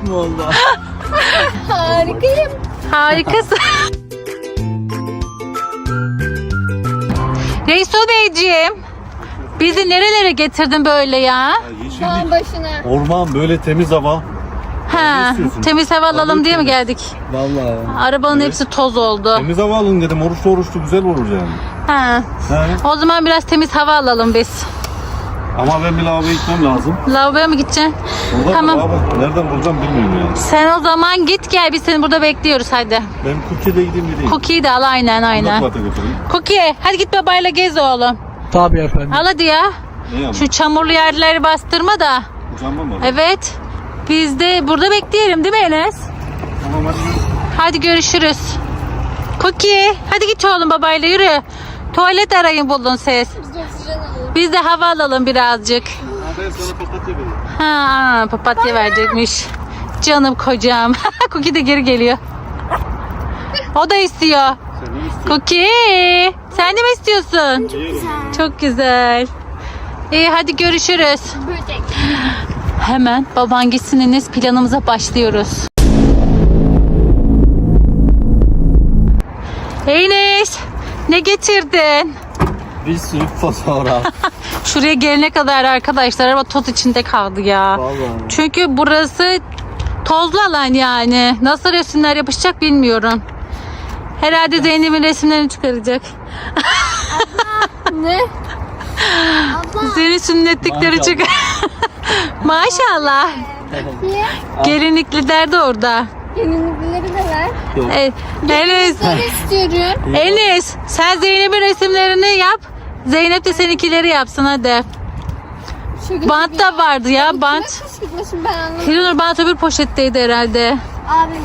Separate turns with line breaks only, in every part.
Harikayım valla.
Harikayım.
Harikasın. Resul Beyciğim, bizi nerelere getirdin böyle ya?
Dağın başına.
Orman, böyle temiz hava.
Ha,
istiyorsun?
temiz hava alalım diye mi geldik?
Vallahi.
Arabanın hepsi toz oldu.
Temiz hava alın dedim. Oruçlu güzel olur yani.
Ha.
He?
O zaman biraz temiz hava alalım biz.
Ama ben bir lavaboya gitmem lazım.
Lavaboya mı gideceksin?
Burada
Tamam.
lavabo. Nereden bulacağım bilmiyorum yani.
Sen o zaman git gel, biz seni burada bekliyoruz hadi.
Ben Cookie'de gideyim gideyim.
Cookie'yi de al, aynen.
Kulak götüreyim.
Cookie hadi git babayla gez oğlum.
Tabii efendim.
Al hadi ya.
Ne yani?
Şu çamurlu yerleri bastırma da.
Uçanma mı?
Evet. Biz de burada bekleyelim değil mi Enes?
Tamam hadi.
Hadi görüşürüz. Cookie hadi git oğlum babayla yürü. Tuvalet arayın buldun siz.
Biz de oksijen alalım.
Biz de hava alalım birazcık.
Ben sana papatya vereyim.
Ha, papatya verecekmiş. Canım kocam. Cookie de geri geliyor. O da istiyor.
Sen ne istiyorsun?
Cookie sen de mi istiyorsun? Çok güzel. İyi hadi görüşürüz.
Böcek.
Hemen baban gitsin Enes, planımıza başlıyoruz. Enes ne getirdin?
Bir sürü fotoğraf.
Şuraya gelene kadar arkadaşlar araba toz içinde kaldı ya.
Vallahi.
Çünkü burası tozlu alan yani. Nasıl resimler yapışacak bilmiyorum. Herhalde Zeynep'in resimlerini çıkaracak.
Ne? Abla.
Senin sünnetlikleri
Maşallah.
çıkar. Maşallah.
Niye?
Gelinlikliler de orada.
Gelinlikleri de ver.
Enes.
Ben istiyorum.
Enes sen Zeynep'in resimlerini yap. Zeynep de seninkileri yapsın hadi.
Şaka
Bant
gibi
da vardı ya bant.
Kime kışkırtmasın ben anlamadım.
Hiranur bant öbür poşetteydi herhalde.
Abim.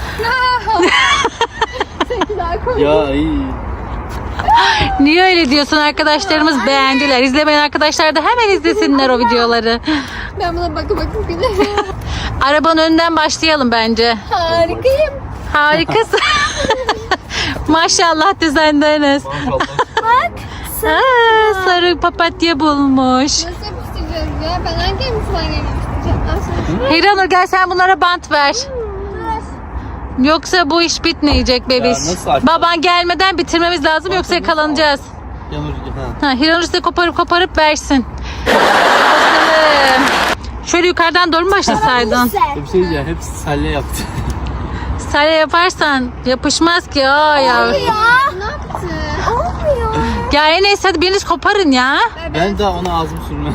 Seninki daha komik.
Ya iyi.
Niye öyle diyorsun, arkadaşlarımız beğendiler. İzlemeyen arkadaşlar da hemen izlesinler o videoları.
Ben buna bakıp giderim.
Arabanın önünden başlayalım bence.
Harikayım.
Harikasın. Maşallah de sende Enes.
Maşallah.
Bak.
Sarı papatya bulmuş.
Nasıl yapıştıracağız ya? Ben hangi elbiseden yapıştıracağım?
Hiranur gel sen bunlara bant ver. Yoksa bu iş bitmeyecek bebiş.
nasıl açalım?
Baban gelmeden bitirmemiz lazım yoksa yakalanacağız.
Yanır ha.
Hiranur size koparıp versin. Bakalım. Şöyle yukarıdan doğru mu başlasaydın?
Bir şey diyeceğim. Hepsi salya yaptı.
Salya yaparsan yapışmaz ki. Aa ya.
Ne yaptı? Olmuyor.
Ya Enes hadi biriniz koparın ya.
Ben daha ona ağzım sürmem.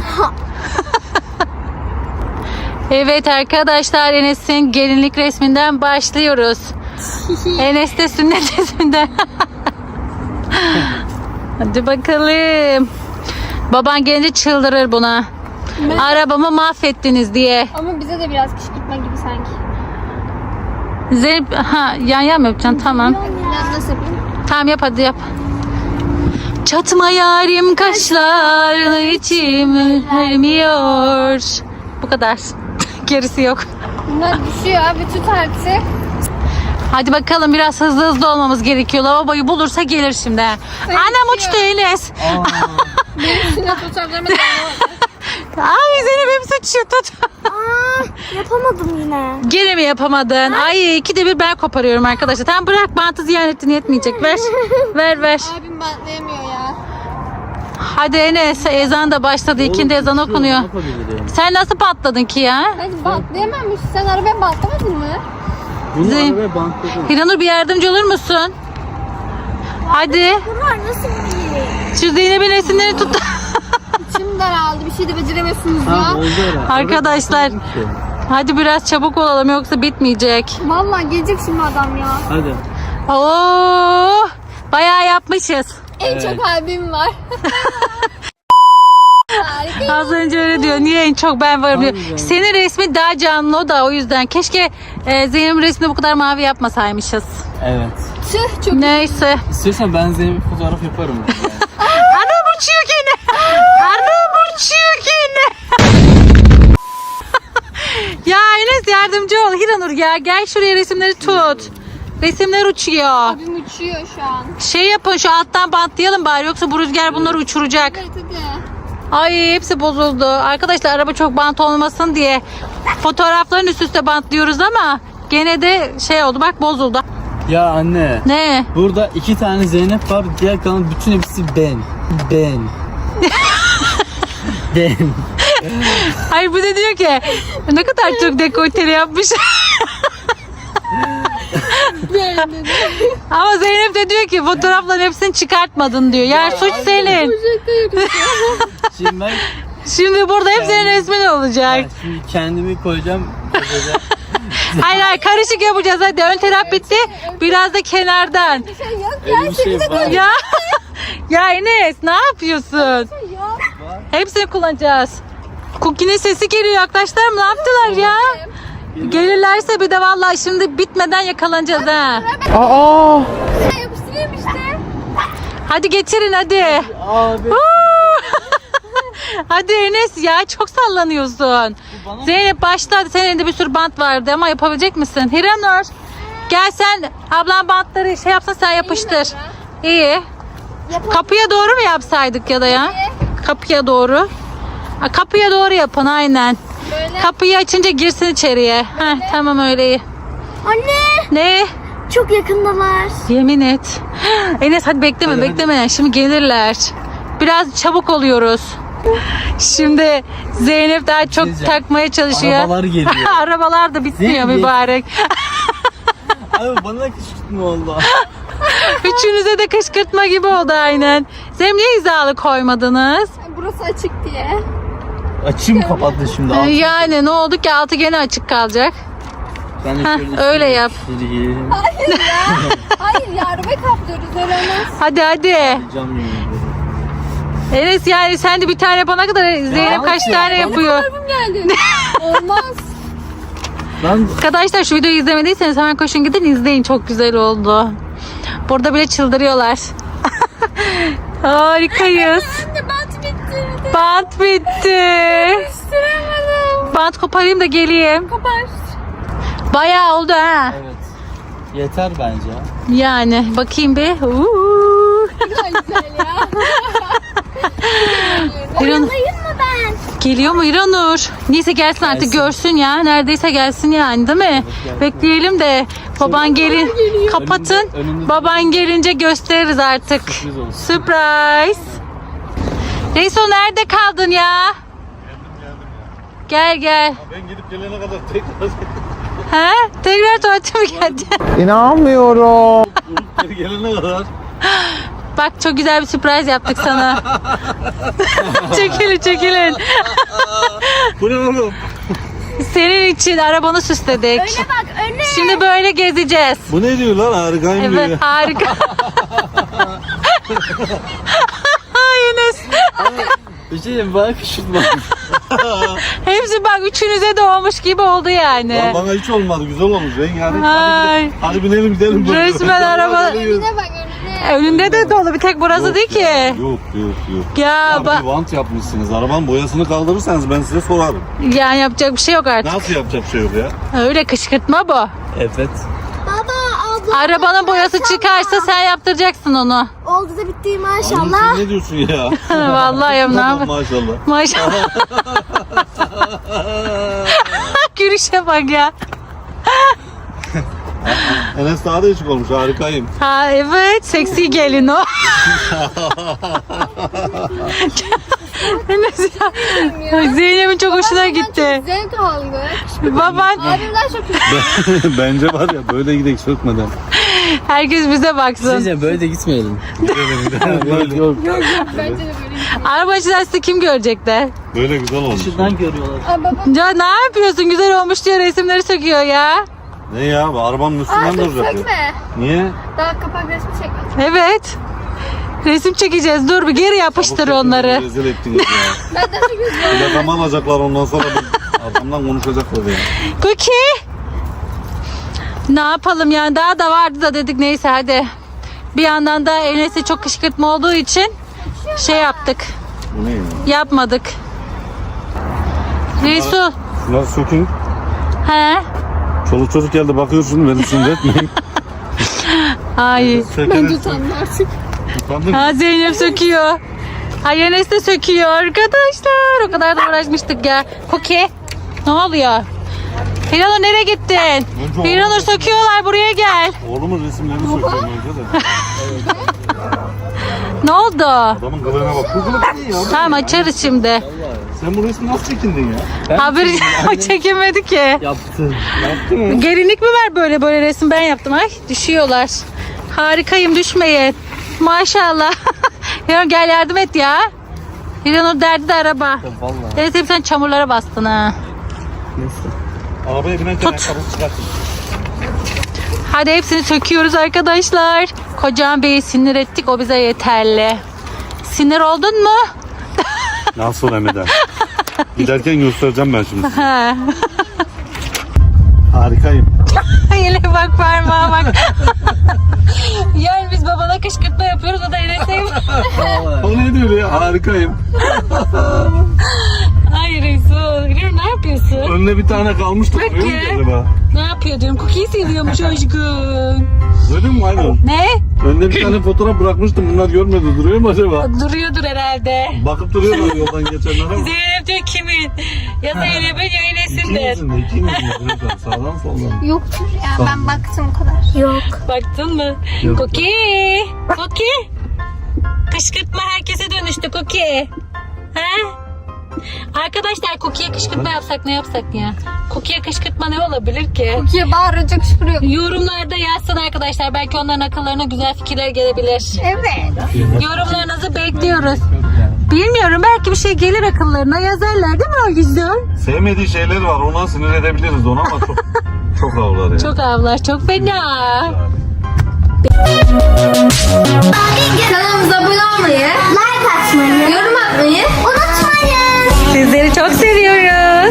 Evet arkadaşlar Enes'in gelinlik resminden başlıyoruz. Enes de sünnet resminden. Hadi bakalım. Baban gelince çıldırır buna. Arabamı mahvettiniz diye.
Ama bize de biraz kışkırtma gibi sanki.
Zeynep yan mı yapacaksın? Tamam.
Ya nasıl yapayım?
Tamam yap hadi yap. Çatma yarim kaşlarını içim ürpermiyor. Bu kadar. Gerisi yok.
Bunlar düşüyor abi, tut artık.
Hadi bakalım biraz hızlı olmamız gerekiyor. Lavaboyu bulursa gelir şimdi. Anam uçtu Enes.
Benim sünnet fotoğraflarıma
Ay Zeynep hepsi uçuyor tut.
yapamadım yine.
Gene mi yapamadın? Ay ikide bir ben koparıyorum arkadaşlar. Tamam bırak, bantı ziyan ettin, yetmeyecek. Ver.
Abim bantlayamıyor ya.
Hadi Enes, ezan da başladı. İkindi ezan okunuyor. Sen nasıl patladın ki ya?
Hadi bantlayamamış. Sen arabaya bantlamadın mı?
Bunu
Zeyn-
arabaya bantladım.
Hiranur bir yardımcı olur musun? Hadi.
Bunlar nasıl bir
Şu Zeynep'in resimlerini tut.
İçim daraldı. Bir şey de beceremiyorsunuz
Ha
ya.
oldu herhalde.
Arkadaşlar. Hadi biraz çabuk olalım yoksa bitmeyecek.
Vallahi gelecek şimdi adam ya.
Hadi.
Oo! Bayağı yapmışız.
En çok abim var. Harika.
Az önce öyle diyor. Niye en çok ben varım diyor.
Harbiden.
Senin resmi daha canlı o da o yüzden. Keşke Zeynep'in resmini bu kadar mavi yapmasaymışız.
Evet.
Tüh çok.
Neyse.
İstiyorsan ben Zeynep'e fotoğraf yaparım.
Anam uçuyor gene. Anam uçuyor gene. Ya Enes yardımcı ol. Hiranur ya gel şuraya resimleri tut. Resimler uçuyor.
Abim uçuyor şu an.
Şey yapın şu alttan bantlayalım bari yoksa bu rüzgar bunları uçuracak.
Evet hadi.
Ay hepsi bozuldu. Arkadaşlar araba çok bant olmasın diye fotoğrafların üst üste bantlıyoruz ama gene de şey oldu bak bozuldu.
Ya anne.
Ne?
Burada 2 tane Zeynep var. Diğer kalan bütün hepsi ben. Ben. Ben.
Hayır bu da diyor ki ne kadar çok dekolteli yapmış. Ama Zeynep de diyor ki fotoğrafların hepsini çıkartmadın diyor. Yani suç
hayır.
senin.
Şimdi ben
Şimdi burada hep senin resmin olacak.
şimdi kendimi koyacağım.
Hayır hayır karışık yapacağız hadi. Ön taraf bitti. Biraz da kenardan.
Bir şey yok
Öyle
ya.
bir şey var.
Ya ya Enes ne yapıyorsun?
Yok.
Hepsini kullanacağız. Cookie'nin sesi geliyor arkadaşlar mı? Ne yaptılar ya? Gelirlerse bir de vallahi şimdi bitmeden yakalanacağız ha. Aa.
Ben yapıştırayım işte.
Hadi getirin hadi.
Abi.
Hadi Enes ya çok sallanıyorsun.
bana-
Zeynep başladı. Senin elinde bir sürü bant vardı ama yapabilecek misin? Hiranur gel sen ablan bantları şey yapsın sen yapıştır. İyi. Kapıya doğru mu yapsaydık ya da ya? Kapıya doğru. Ha, kapıya doğru yapın aynen.
Böyle.
Kapıyı açınca girsin içeriye. Heh, tamam öyle iyi.
Anne.
Ne?
Çok yakındalar.
Yemin et. Enes hadi bekleme
Hadi,
bekleme. Şimdi gelirler. Biraz çabuk oluyoruz. Şimdi Zeynep daha çok
Diyeceğim.
takmaya çalışıyor.
Arabalar geliyor.
Arabalar da bitmiyor
Zeynep.
mübarek.
Abi bana kışkırtma oldu.
Üçünüze de kışkırtma gibi oldu aynen. Zeynep niye hizalı koymadınız?
Burası açık diye.
Açım kapattı şimdi. altı.
Yani ne oldu ki altı gene açık kalacak.
Ben de
Heh,
şöyle
öyle
şöyle
yap.
şöyle giyelim.
Hayır ya. Hayır ya. Arabayı kaplıyoruz. Öyle olmaz.
Hadi hadi.
Cam yemin
Enes yani sen de bir tane yapana kadar Zeynep kaç
abi,
tane
bana-
yapıyor.
Arabam geldi. Olmaz.
Ben
Arkadaşlar şu videoyu izlemediyseniz hemen koşun gidin izleyin çok güzel oldu. Burada bile çıldırıyorlar. Harikayız.
Anne bant bitti.
Bant bitti.
Yapıştıramadım.
Bant koparayım da geleyim.
Kopar.
Bayağı oldu ha.
evet. Yeter bence.
Yani bakayım bir. Uuu.
Güzel güzel ya.
İran-
Oyalayayım mı ben?
Geliyor mu İranur? Neyse gelsin artık
Gelsin.
görsün ya. Neredeyse gelsin yani değil mi?
gelsin.
Bekleyelim de baban gelin. Kapatın.
Önünde-
Baban gelince gösteririz artık.
Sürpriz olsun.
Surprise. Reiso nerede kaldın ya? Gel gel.
Ben gidip gelene kadar tekrar
Ha? Tekrar tuvalete mi geldin?
İnanmıyorum. Geri gelene kadar.
Bak çok güzel bir sürpriz yaptık sana. Çekilin çekilin.
Bu ne oğlum?
Senin için arabanı süsledik.
Öne bak öne.
Şimdi böyle gezeceğiz.
Bu ne diyor lan, harikayım diyor.
Evet harika. Ay Enes.
Bir şey diyeyim bana kışkırtma.
Hepsi bak üçünüze de olmuş gibi oldu yani.
Lan bana hiç olmadı, güzel olmuş. Yani
Ay.
hadi binelim gidelim.
Resmen araba-
Önüne bak önüne.
Önünde de dolu bir tek burası değil ki.
Yok yok.
Ya
Ya
bak
bir vant yapmışsınız. Arabanın boyasını kaldırırsanız ben size sorarım.
yani yapacak bir şey yok artık.
Nasıl yapacak bir şey yok ya?
Öyle kışkırtma bu.
Evet.
Baba abla.
Arabanın boyası çıkarsa sen yaptıracaksın onu.
Oldu da bitti
Oğlum
maşallah.
sen ne diyorsun ya?
Vallahi ya ne
Tamam,
yapayım?
maşallah.
Maşallah. Gülüşe bak ya.
Enes daha değişik olmuş, harikayım.
Ha evet seksi gelin o. Enes ya. Zeynep'in çok hoşuna gitti.
Zevk aldı.
Baban
Abimden çok
Bence var ya, böyle gidelim sökmeden.
herkes bize
Bir şey
baksın.
diyeceğim böyle de gitmeyelim.
Böyle,
Yok.
bence de böyle.
Arabacılar sizi kim görecekler?
böyle güzel olmuş.
Şuradan görüyorlar.
Aa, baba.
Ya ne yapıyorsun? Güzel olmuş diyor resimleri söküyor ya.
Ne ya, bu arabanın
Aa
üstünden
dur
duracak ya.
sökme.
Niye?
Daha kapak resmi çekmedim.
Evet. Resim çekeceğiz. Dur bir geri yapıştır
Çabuk
onları.
Rezil ettiniz ya.
Benden çok üzüldüm.
Plakama alacaklar, ondan sonra arkamdan konuşacaklar ya.
Cookie. Ne yapalım yani daha da vardı da dedik neyse hadi. Bir yandan da Enes'e çok kışkırtma olduğu için şey yaptık.
Bu ne ya?
Yapmadık. Resul.
Şunları sökün.
He?
Çoluk çocuk geldi bakıyorsun, beni sinir etmeyin.
Ay.
Bence utandım artık.
Utandın mı?
Ha Zeynep söküyor. Ay Enes de söküyor arkadaşlar. O kadar da uğraşmıştık ya. Cookie. Ne oluyor? Hiranur nereye gittin?
Önce
Hiranur
oğlum-
söküyorlar, buraya gel.
Oğlumun resimlerini söylüyorum önce de.
Ne oldu?
Adamın kılığına bak. Bu kılık iyi ya.
Tamam açarız şimdi.
Sen bu resmi nasıl çekindin ya?
Haberi çekemedi ki.
Yaptın.
Yaptın mı?
Gelinlik mi var böyle resim ben yaptım. Ay düşüyorlar. Harikayım, düşmeyin. Maşallah. Hiranur gel yardım et ya. Hiranur derdi de araba.
Vallahi.
Evet hep sen çamurlara bastın ha.
Neyse.
Arabaya binerken ayakkabısı çıkartın.
Hadi hepsini söküyoruz arkadaşlar. Kocam Bey'i sinir ettik, o bize yeterli. Sinir oldun mu?
Nasıl Emre'den? Giderken göstereceğim ben şimdi.
Ha.
Harikayım.
Yine bak parmağa bak. Yani biz babana kışkırtma yapıyoruz, o da Enes'e.
O ne diyor ya? Harikayım.
Hayır Resul. Hiranur ne yapıyorsun?
Önüne bir tane kalmıştı.
Peki.
Duruyor mu acaba?
Ne yapıyor diyorum. Cookie'yi seviyormuş aşkım.
Duydun mu aynen?
Ne?
Önüne bir tane fotoğraf bırakmıştım. Bunlar görmedi. Duruyor mu acaba?
Duruyordur herhalde.
Bakıp duruyorlar yoldan geçenlere ama.
Zeynep diyor kimin? Ya Zeynep'in ya Enes'in de.
İkinizin de ikinizin de. Sağdan soldan.
Yoktur ya ben baktım o kadar. Yok.
Baktın mı?
Yok.
Cookie. Cookie. Kışkırtma herkese dönüştü Cookie. He? Arkadaşlar Cookie'ye kışkırtma yapsak ne yapsak ya? Cookie'ye kışkırtma ne olabilir ki?
Türkiye bağırınca kışkırıyor.
Yorumlarda yazsın arkadaşlar. Belki onların akıllarına güzel fikirler gelebilir.
Evet.
Yorumlarınızı bekliyoruz. Bilmiyorum, belki bir şey gelir akıllarına, yazarlar değil mi o yüzden?
Sevmediği şeyler var. Ona sinir edebiliriz onu ama çok ağlar ya.
Çok avlar, çok fena.
Kanalımıza abone olmayı, like atmayı, yorum atmayı unutmayın.
Sizleri çok seviyoruz.